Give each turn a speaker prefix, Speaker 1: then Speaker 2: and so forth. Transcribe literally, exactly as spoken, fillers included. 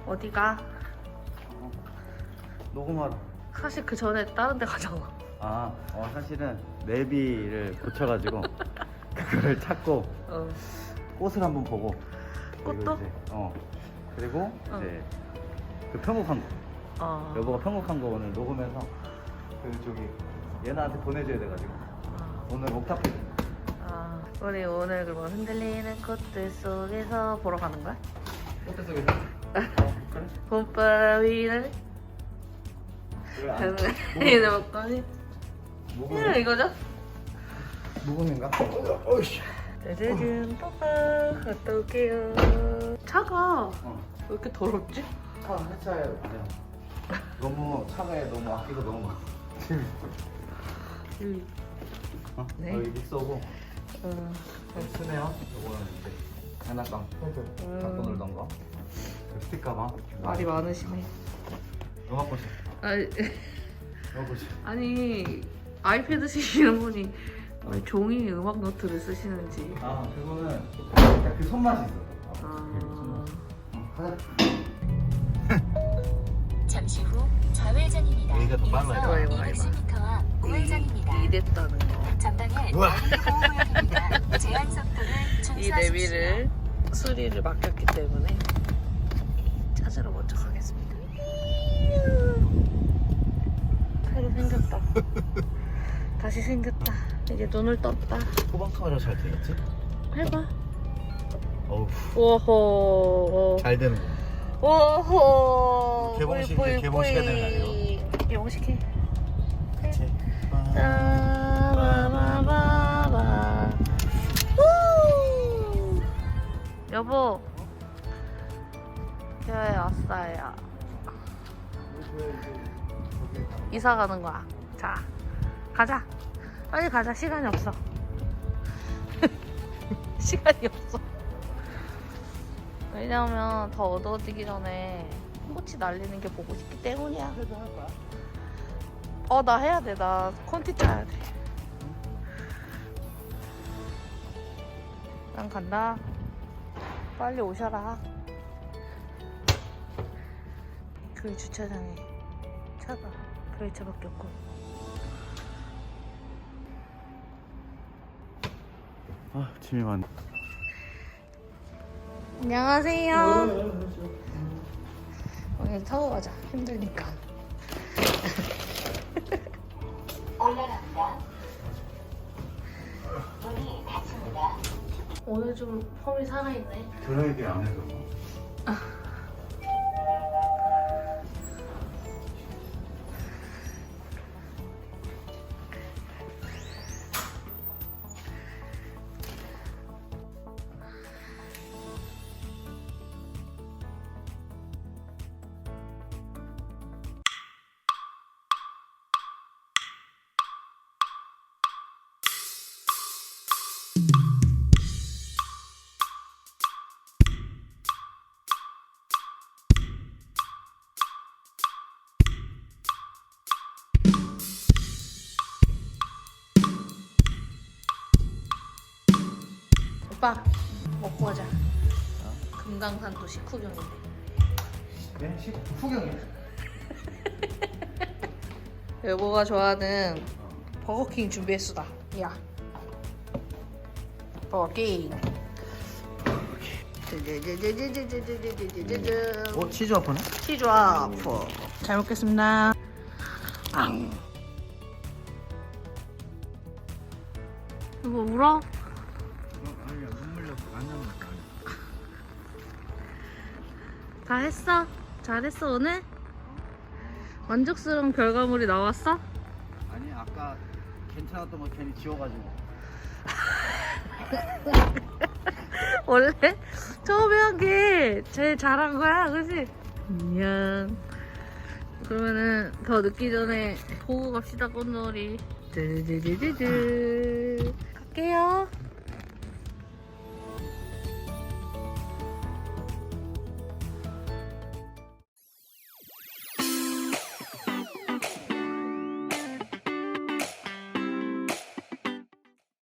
Speaker 1: 어디가?
Speaker 2: 어, 녹음하러.
Speaker 1: 사실 그 전에 다른 데 가잖아.
Speaker 2: 아, 어, 사실은 내비를 고쳐가지고 그거를 찾고
Speaker 1: 어.
Speaker 2: 꽃을 한번 보고. 그리고
Speaker 1: 꽃도?
Speaker 2: 이제, 어. 그리고
Speaker 1: 어.
Speaker 2: 이제 그 편곡한 거.
Speaker 1: 어.
Speaker 2: 여보가 편곡한 거 오늘 녹음해서 그 저기 얘나한테 보내줘야 돼가지고
Speaker 1: 어.
Speaker 2: 오늘 옥탑해.
Speaker 1: 아, 우리 오늘 그럼 흔들리는 꽃들 속에서 보러 가는 거야?
Speaker 2: 꽃대 속에서. 어, 그래?
Speaker 1: 봄바위를
Speaker 2: 왜안
Speaker 1: 흔들리는 목걸이.
Speaker 2: 녹음?
Speaker 1: 이거죠?
Speaker 2: 녹음인가? 어이씨.
Speaker 1: 짜자잔, 빠빠. 갔다 올게요. 차가
Speaker 2: 어.
Speaker 1: 왜 이렇게 더럽지?
Speaker 2: 차 해차에 아니야. 너무 차가에 너무 아끼고 너무 막.
Speaker 1: 음.
Speaker 2: 어?
Speaker 1: 네.
Speaker 2: 여기 믹서고
Speaker 1: 어.
Speaker 2: 여기 스네어. 요거는 이제 장난감 패드
Speaker 1: 음.
Speaker 2: 갖고 놀던 거. 그 스틱 가방.
Speaker 1: 말이 많으시네.
Speaker 2: 음악 보시.
Speaker 1: 아니,
Speaker 2: 음악 보시.
Speaker 1: 아니 아이패드 쓰시는 분이 왜 종이 음악 노트를 쓰시는지.
Speaker 2: 아 그거는 약간 그 손맛이 있어.
Speaker 1: 아.
Speaker 2: 어, 가자.
Speaker 3: 잠시 후 좌회전입니다.
Speaker 2: 여기가 더 빨라요.
Speaker 3: 이어서 이백십 미터와 우회전입니다.
Speaker 1: 이랬다는 거.
Speaker 3: 전방에
Speaker 2: 우와.
Speaker 3: 보호구역입니다. 제한 속도를
Speaker 1: 이
Speaker 3: 준수하십시오.
Speaker 1: 내비를 수리를 맡겼기 때문에 찾으러 먼저 가겠습니다. 새로 생겼다. 다시 생겼다. 이제 눈을 떴다.
Speaker 2: 후방 카메라 잘 되겠지?
Speaker 1: 해봐.
Speaker 2: 어우
Speaker 1: 오호.
Speaker 2: 잘 되는 거.
Speaker 1: 오호.
Speaker 2: 개봉식,
Speaker 1: 뿌이, 뿌이,
Speaker 2: 개봉식 해야 되는 거
Speaker 1: 뿌이. 개봉식 해.
Speaker 2: 그치?
Speaker 1: 따바바바바. 우! 여보, 교회 왔어요. 이사 가는 거야. 자, 가자. 빨리 가자. 시간이 없어. 시간이 없어. 왜냐면 더 어두워지기 전에 꽃이 날리는 게 보고 싶기 때문이야.
Speaker 2: 해도 할 거야?
Speaker 1: 어, 나 해야 돼. 나 콘티 짜야 돼. 난 간다. 빨리 오셔라. 교회 주차장에 차가 교회 차밖에 없고.
Speaker 2: 아 짐이 많네.
Speaker 1: 안녕하세요. 오늘 타고 가자. 힘드니까.
Speaker 3: 올라갑니다. 문이 닫힙니다.
Speaker 1: 오늘 좀 폼이 살아있네.
Speaker 2: 드라이기 안 해서.
Speaker 1: 오빠 먹고 가자. 금강산도 식후경인데.
Speaker 2: 네? 식 후경이.
Speaker 1: 여보가 좋아하는 버거킹 준비했수다. 야, 버거킹.
Speaker 2: 어 치즈 와퍼네?
Speaker 1: 치즈 와퍼. 잘 먹겠습니다. 앙. 여보 울어?
Speaker 2: 아니야 눈물 나서 안 나는 거
Speaker 1: 다 했어? 잘했어 오늘? 만족스러운 결과물이 나왔어?
Speaker 2: 아니 아까 괜찮았던 거 괜히 지워가지고.
Speaker 1: 원래 처음에 한 게 제일 잘한 거야, 그치? 안녕. 그러면은 더 늦기 전에 보고 갑시다, 꽃놀이. 드드드드드.